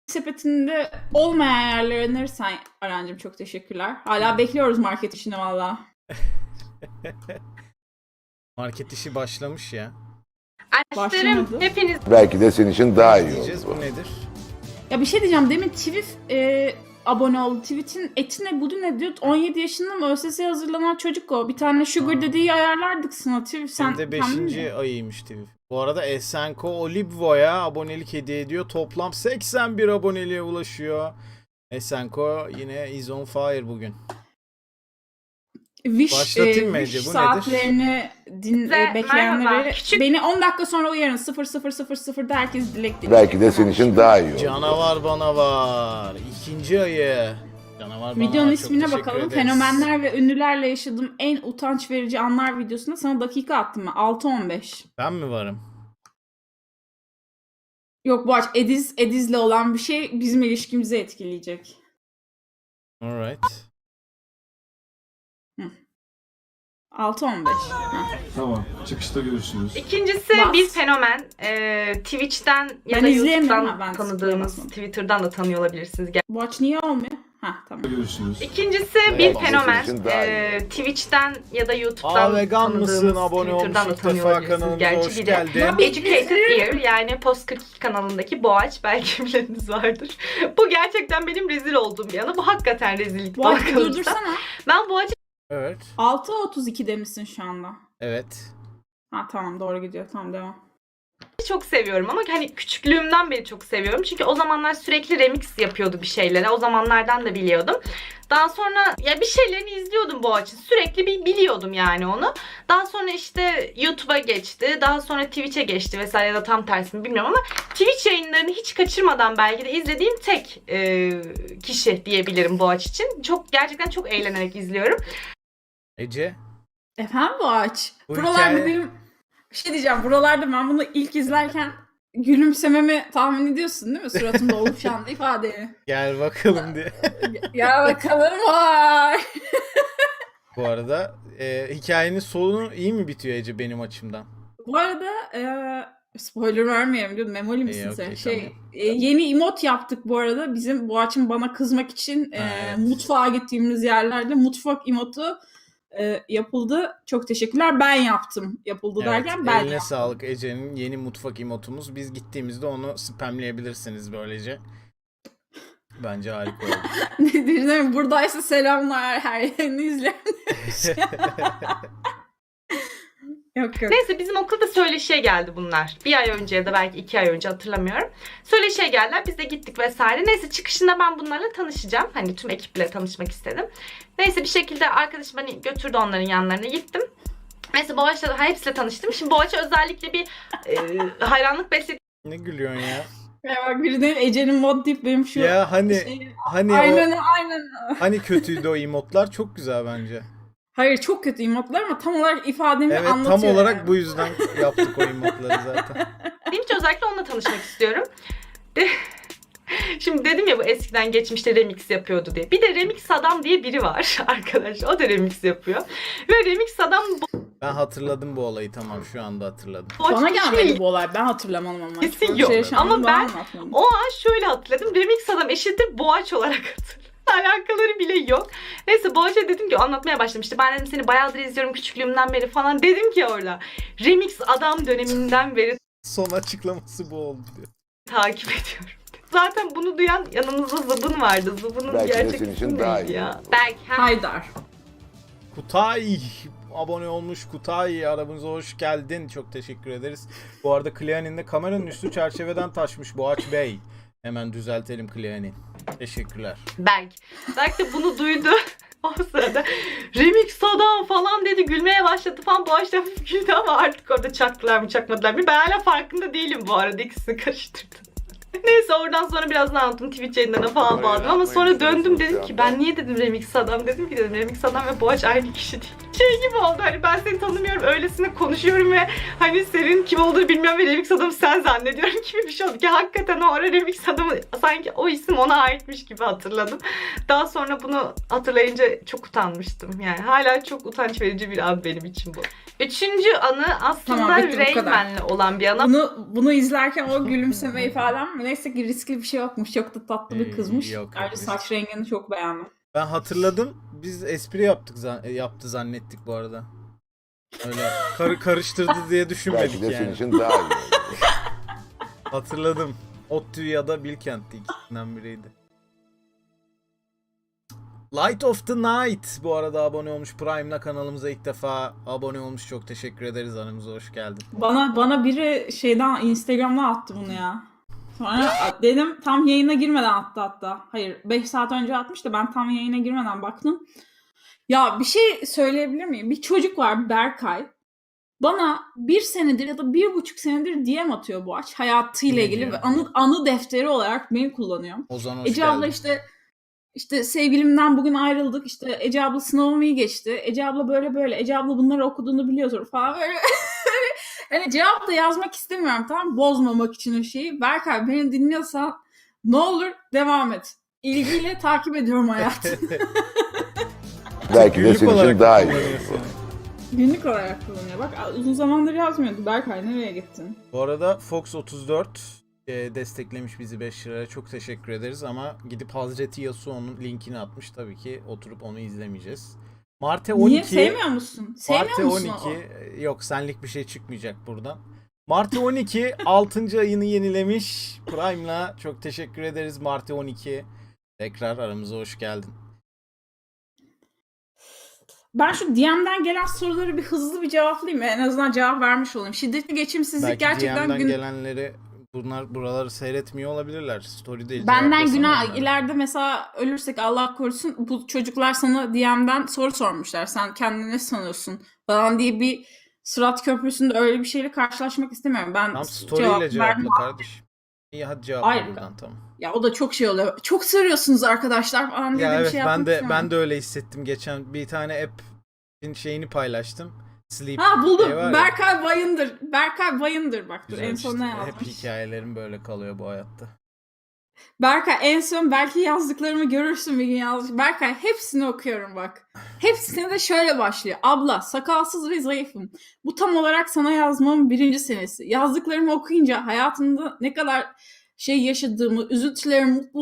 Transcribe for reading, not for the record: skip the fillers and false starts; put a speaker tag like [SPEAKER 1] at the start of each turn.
[SPEAKER 1] sepetinde olmayan yerleri önerirsen Arancığım çok teşekkürler. Hala bekliyoruz market işini valla.
[SPEAKER 2] Market işi başlamış ya.
[SPEAKER 3] Aşklarım
[SPEAKER 1] Başlamadı.
[SPEAKER 3] hepiniz
[SPEAKER 4] Belki de senin için daha iyi
[SPEAKER 2] Diyeceğiz,
[SPEAKER 4] olur.
[SPEAKER 2] bu nedir?
[SPEAKER 1] Ya bir şey diyeceğim. Demin Twif abone oldu. Tweet'in etine budu ne diyor? 17 yaşında mı ÖSS'ye hazırlanan çocuk o. Bir tane Sugar dediği ayarlardık sana. Twif sen
[SPEAKER 2] Hem de
[SPEAKER 1] kendin
[SPEAKER 2] 5.
[SPEAKER 1] mi?
[SPEAKER 2] ayıymış TV. Bu arada Esenko Olibvo'ya abonelik hediye ediyor. Toplam 81 aboneliğe ulaşıyor. Esenko yine is on fire bugün. Başlatayım mı Ece?
[SPEAKER 1] Wish
[SPEAKER 2] Bu
[SPEAKER 1] saatlerini
[SPEAKER 3] Size
[SPEAKER 1] bekleyenleri
[SPEAKER 3] merhaba. Küçük-
[SPEAKER 1] beni 10 dakika sonra uyarın. 00:00'da herkes dilek dileyecek.
[SPEAKER 4] Belki de senin için daha iyi olur.
[SPEAKER 2] Canavar bana var. 2. ayı. Canavar bana
[SPEAKER 1] Videonun
[SPEAKER 2] var. Çok
[SPEAKER 1] ismine
[SPEAKER 2] teşekkür
[SPEAKER 1] bakalım.
[SPEAKER 2] ederiz.
[SPEAKER 1] Fenomenler ve ünlülerle yaşadığım en utanç verici anlar videosunda sana dakika attım ben. 6:15.
[SPEAKER 2] Ben mi varım?
[SPEAKER 1] Yok bu aç Ediz'le olan bir şey bizim ilişkimizi etkileyecek.
[SPEAKER 2] Alright.
[SPEAKER 1] 6:15.
[SPEAKER 5] Tamam. Çıkışta görüşürüz.
[SPEAKER 3] İkincisi
[SPEAKER 1] Bas.
[SPEAKER 3] bir fenomen. Twitch'ten ya
[SPEAKER 1] Ben
[SPEAKER 3] da
[SPEAKER 1] izleyemiyorum
[SPEAKER 3] YouTube'dan
[SPEAKER 1] ha, ben
[SPEAKER 3] tanıdığınız,
[SPEAKER 1] basmadım.
[SPEAKER 3] Twitter'dan da tanıyor olabilirsiniz.
[SPEAKER 1] Bu aç niye olmuyor? Tamam.
[SPEAKER 5] Görüşürüz.
[SPEAKER 3] İkincisi bir
[SPEAKER 4] Belki de
[SPEAKER 3] fenomen.
[SPEAKER 4] senin için daha iyi.
[SPEAKER 3] Twitch'ten ya da YouTube'dan
[SPEAKER 2] Vegan mısın?
[SPEAKER 3] tanıdığınız,
[SPEAKER 2] Abone olmuş
[SPEAKER 3] Twitter'dan da
[SPEAKER 2] ilk
[SPEAKER 3] tanıyor
[SPEAKER 2] defa
[SPEAKER 3] olabilirsiniz.
[SPEAKER 2] kanalımıza
[SPEAKER 3] Gerçi
[SPEAKER 2] hoş
[SPEAKER 3] biri.
[SPEAKER 2] geldin.
[SPEAKER 3] Educated Ear yani Post 42 kanalındaki Boğaç belki bileniniz vardır. Bu gerçekten benim rezil olduğum bir yana. Bu hakikaten rezillik.
[SPEAKER 1] Bu
[SPEAKER 3] bana
[SPEAKER 1] açı
[SPEAKER 3] kalırsa.
[SPEAKER 1] durdursana.
[SPEAKER 3] Ben Boğaç'ı
[SPEAKER 2] Evet.
[SPEAKER 1] 6:32 demişsin şu anda.
[SPEAKER 2] Evet.
[SPEAKER 1] Tamam doğru gidiyor. Tamam devam.
[SPEAKER 3] çok seviyorum ama hani küçüklüğümden beri çok seviyorum. Çünkü o zamanlar sürekli remix yapıyordu bir şeylere. O zamanlardan da biliyordum. Daha sonra ya bir şeylerini izliyordum Boğaç'ın. Sürekli biliyordum yani onu. Daha sonra işte YouTube'a geçti. Daha sonra Twitch'e geçti vesaire ya da tam tersini bilmiyorum ama Twitch yayınlarını hiç kaçırmadan belki de izlediğim tek kişi diyebilirim Boğaç için. Gerçekten çok eğlenerek izliyorum.
[SPEAKER 2] Ece.
[SPEAKER 1] Efendim bu aç.
[SPEAKER 2] Bu
[SPEAKER 1] Buralarda
[SPEAKER 2] hikaye-
[SPEAKER 1] benim bir şey diyeceğim. Buralarda ben bunu ilk izlerken gülümsememi tahmin ediyorsun değil mi? Suratımda oluşan ifadeyi.
[SPEAKER 2] Gel bakalım diye.
[SPEAKER 1] Ya bakalım vay.
[SPEAKER 2] Bu arada hikayenin sonu iyi mi bitiyor Ece benim açımdan?
[SPEAKER 1] Bu arada spoiler vermeyelim diyordum. Memoli misin
[SPEAKER 2] İyi,
[SPEAKER 1] sen?
[SPEAKER 2] okey,
[SPEAKER 1] Yeni emot yaptık bu arada. Bizim Boğaç'ın bana kızmak için
[SPEAKER 2] Evet.
[SPEAKER 1] mutfağa gittiğimiz yerlerde mutfak emotu yapıldı. Çok teşekkürler. Ben yaptım. Yapıldı derken ben
[SPEAKER 2] eline
[SPEAKER 1] yaptım.
[SPEAKER 2] sağlık Ece'nin yeni mutfak emotumuz. Biz gittiğimizde onu spamleyebilirsiniz böylece. Bence harika oldu.
[SPEAKER 1] Ne diyeceğim? Buradaysa selamlar her yerini izleyen. Yok.
[SPEAKER 3] Neyse bizim okulda söyleşiye geldi bunlar. Bir ay önce ya da belki 2 ay önce hatırlamıyorum. Söyleşiye geldiler. Biz de gittik vesaire. Neyse çıkışında ben bunlarla tanışacağım. Hani tüm ekiple tanışmak istedim. Neyse bir şekilde arkadaşım beni götürdü onların yanlarına gittim. Neyse Boğaç'la da hepsiyle tanıştım. Şimdi Boğaç'a özellikle bir hayranlık besledim.
[SPEAKER 2] Ne gülüyorsun ya?
[SPEAKER 1] Ya bak biri de Ece'nin mod deyip benim şu
[SPEAKER 2] Ya hani
[SPEAKER 1] şey-
[SPEAKER 2] hani
[SPEAKER 1] aynen
[SPEAKER 2] o
[SPEAKER 1] aynen.
[SPEAKER 2] hani kötüydü o emotlar, çok güzel bence.
[SPEAKER 1] Hayır çok kötü emotlar ama tam olarak ifademi
[SPEAKER 2] Evet,
[SPEAKER 1] anlatıyor.
[SPEAKER 2] tam olarak
[SPEAKER 1] yani.
[SPEAKER 2] bu yüzden yaptık o emotları zaten.
[SPEAKER 3] Benim için özellikle onunla tanışmak istiyorum. Şimdi dedim ya bu eskiden geçmişte remix yapıyordu diye. Bir de Remix Adam diye biri var arkadaş. O da remix yapıyor. Ve Remix Adam
[SPEAKER 2] Ben hatırladım bu olayı, tamam, şu anda hatırladım.
[SPEAKER 1] Bana
[SPEAKER 3] Boğaç
[SPEAKER 1] gelmedi bu olay. Ben hatırlamadım ama.
[SPEAKER 3] Kesin
[SPEAKER 1] Böyle
[SPEAKER 3] yok.
[SPEAKER 1] yaşandı,
[SPEAKER 3] Ama
[SPEAKER 1] bana
[SPEAKER 3] ben
[SPEAKER 1] anlatmadın.
[SPEAKER 3] O an şöyle hatırladım. Remix Adam eşittir Boğaç olarak hatırladım. Alakaları bile yok. Neyse Boğaç'a dedim ki anlatmaya başlamıştı. Ben dedim seni bayağıdır izliyorum küçüklüğümden beri falan. Dedim ki orada Remix Adam döneminden beri
[SPEAKER 2] Son açıklaması bu oldu diyor.
[SPEAKER 3] takip ediyorum. Zaten bunu duyan yanımızda Zıbın vardı. Zıbın'ın
[SPEAKER 4] Belki de
[SPEAKER 3] gerçek
[SPEAKER 4] senin için
[SPEAKER 3] ismi
[SPEAKER 4] daha
[SPEAKER 3] neydi
[SPEAKER 4] iyi
[SPEAKER 3] ya?
[SPEAKER 4] olur.
[SPEAKER 3] Belki.
[SPEAKER 1] Haydar.
[SPEAKER 2] Kutay abone olmuş. Kutay aramıza hoş geldin. Çok teşekkür ederiz. Bu arada Cleanin'de kameranın üstü çerçeveden taşmış Boğaç Bey. Hemen düzeltelim Cleanin. Teşekkürler.
[SPEAKER 3] Belki de bunu duydu. O sırada Remix Adam falan dedi, gülmeye başladı falan. Boğaç da hafif güldü ama artık orada çaktılar mı çakmadılar mı? Ben hala farkında değilim bu arada, ikisini karıştırdım. Neyse oradan sonra biraz anlattım, Twitch yayınlarına falan
[SPEAKER 4] Oraya
[SPEAKER 3] bağladım ama sonra
[SPEAKER 4] yapmayın,
[SPEAKER 3] döndüm
[SPEAKER 4] şöyle
[SPEAKER 3] dedim ki ben niye dedim Remix Adam, dedim ki dedim Remix Adam ve Boğaç aynı kişi değil. Şey gibi oldu, hani ben seni tanımıyorum öylesine konuşuyorum ve hani senin kim olduğunu bilmiyorum ve Remix Adam'ı sen zannediyorum gibi bir şey oldu ki hakikaten o ara Remix Adam'ı sanki o isim ona aitmiş gibi hatırladım. Daha sonra bunu hatırlayınca çok utanmıştım yani, hala çok utanç verici bir an benim için bu. Üçüncü anı aslında
[SPEAKER 1] Tamam, bitti, bu kadar.
[SPEAKER 3] Rayman'le olan bir anı.
[SPEAKER 1] Bunu izlerken o gülümseme ifadem Neyse ki riskli bir şey yokmuş. Çok da tatlı bir kızmış.
[SPEAKER 2] Yok,
[SPEAKER 1] Ayrıca
[SPEAKER 2] risk.
[SPEAKER 1] saç rengini çok beğendim.
[SPEAKER 2] Ben hatırladım. Biz espri yaptık yaptı zannettik bu arada. Öyle karıştırdı diye düşünmedik
[SPEAKER 4] Belki de senin
[SPEAKER 2] yani.
[SPEAKER 4] için daha iyi oldu.
[SPEAKER 2] Hatırladım. ODTÜ ya da Bilkent'ti, ikisinden biriydi. Light of the Night bu arada abone olmuş. Prime'la kanalımıza ilk defa abone olmuş. Çok teşekkür ederiz. Aramıza hoş geldin.
[SPEAKER 1] Bana biri şeyden Instagram'dan attı bunu ya. Sonra dedim tam yayına girmeden attı hatta. Hayır 5 saat önce atmış da ben tam yayına girmeden baktım. Ya bir şey söyleyebilir miyim? Bir çocuk var Berkay. Bana 1 senedir ya da 1,5 senedir DM atıyor bu aç. Hayatıyla
[SPEAKER 2] Ne
[SPEAKER 1] ilgili
[SPEAKER 2] diyor?
[SPEAKER 1] ve anı defteri olarak beni kullanıyor.
[SPEAKER 2] Ozan hoş
[SPEAKER 1] Ece abla
[SPEAKER 2] geldin.
[SPEAKER 1] işte sevgilimden bugün ayrıldık. İşte Ece abla sınavımı iyi geçti. Ece abla böyle. Ece abla bunları okuduğunu biliyordur falan böyle. Hani cevap da yazmak istemiyorum, tamam, bozmamak için o şeyi. Berkay beni dinliyorsan ne olur devam et. İlgiyle takip ediyorum hayatını.
[SPEAKER 4] Belki de
[SPEAKER 2] Günlük
[SPEAKER 4] senin
[SPEAKER 2] olarak
[SPEAKER 4] için daha iyi
[SPEAKER 2] kullanıyorsun.
[SPEAKER 4] oldu.
[SPEAKER 1] Günlük olarak kullanıyor. Bak uzun zamandır yazmıyordu. Berkay nereye gittin?
[SPEAKER 2] Bu arada Fox 34 desteklemiş bizi 5 liraya. Çok teşekkür ederiz ama gidip Hazreti Yasuo'nun linkini atmış. Tabii ki oturup onu izlemeyeceğiz. Marte 12.
[SPEAKER 1] Niye sevmiyor musun? Sevmiyor
[SPEAKER 2] Marte
[SPEAKER 1] musun
[SPEAKER 2] 12. Yok, senlik bir şey çıkmayacak buradan. Marte 12 6. ayını yenilemiş. Prime'la çok teşekkür ederiz Marte 12. Tekrar aramıza hoş geldin.
[SPEAKER 1] Ben şu DM'den gelen soruları bir hızlı bir cevaplayayım. En azından cevap vermiş olayım. Şiddetli geçimsizlik
[SPEAKER 2] Belki
[SPEAKER 1] gerçekten
[SPEAKER 2] DM'den gelenleri buraları seyretmiyor olabilirler. Story'de
[SPEAKER 1] benden
[SPEAKER 2] cevaplasana
[SPEAKER 1] günah
[SPEAKER 2] onlara.
[SPEAKER 1] ileride mesela ölürsek Allah korusun bu çocuklar sana DM'den soru sormuşlar. Sen kendini ne sanıyorsun falan diye bir Sırat Köprüsü'nde öyle bir şeyle karşılaşmak istemiyorum. Ben
[SPEAKER 2] Tam story ile
[SPEAKER 1] verdim.
[SPEAKER 2] cevapla kardeşim. İyi, hadi cevapla
[SPEAKER 1] Hayır.
[SPEAKER 2] buradan, tamam.
[SPEAKER 1] Ya o da çok şey oluyor. Çok soruyorsunuz arkadaşlar falan diye
[SPEAKER 2] Ya
[SPEAKER 1] de bir
[SPEAKER 2] evet,
[SPEAKER 1] şey
[SPEAKER 2] ben
[SPEAKER 1] yapmak
[SPEAKER 2] de
[SPEAKER 1] istemem.
[SPEAKER 2] öyle hissettim geçen, bir tane app'in şeyini paylaştım. Sleep
[SPEAKER 1] Ha buldum.
[SPEAKER 2] diye var ya.
[SPEAKER 1] Berkay Bayındır. Berkay Bayındır bak dur
[SPEAKER 2] Güzel
[SPEAKER 1] en son
[SPEAKER 2] işte.
[SPEAKER 1] ne
[SPEAKER 2] Hep
[SPEAKER 1] yazmış.
[SPEAKER 2] hikayelerim böyle kalıyor bu hayatta.
[SPEAKER 1] Berkay en son belki yazdıklarımı görürsün bir gün yazmış. Berkay hepsini okuyorum bak. Hepsine de şöyle başlıyor. Abla sakalsız ve zayıfım. Bu tam olarak sana yazmamın 1. senesi. Yazdıklarımı okuyunca hayatımda ne kadar şey yaşadığımı, üzüntülerimi,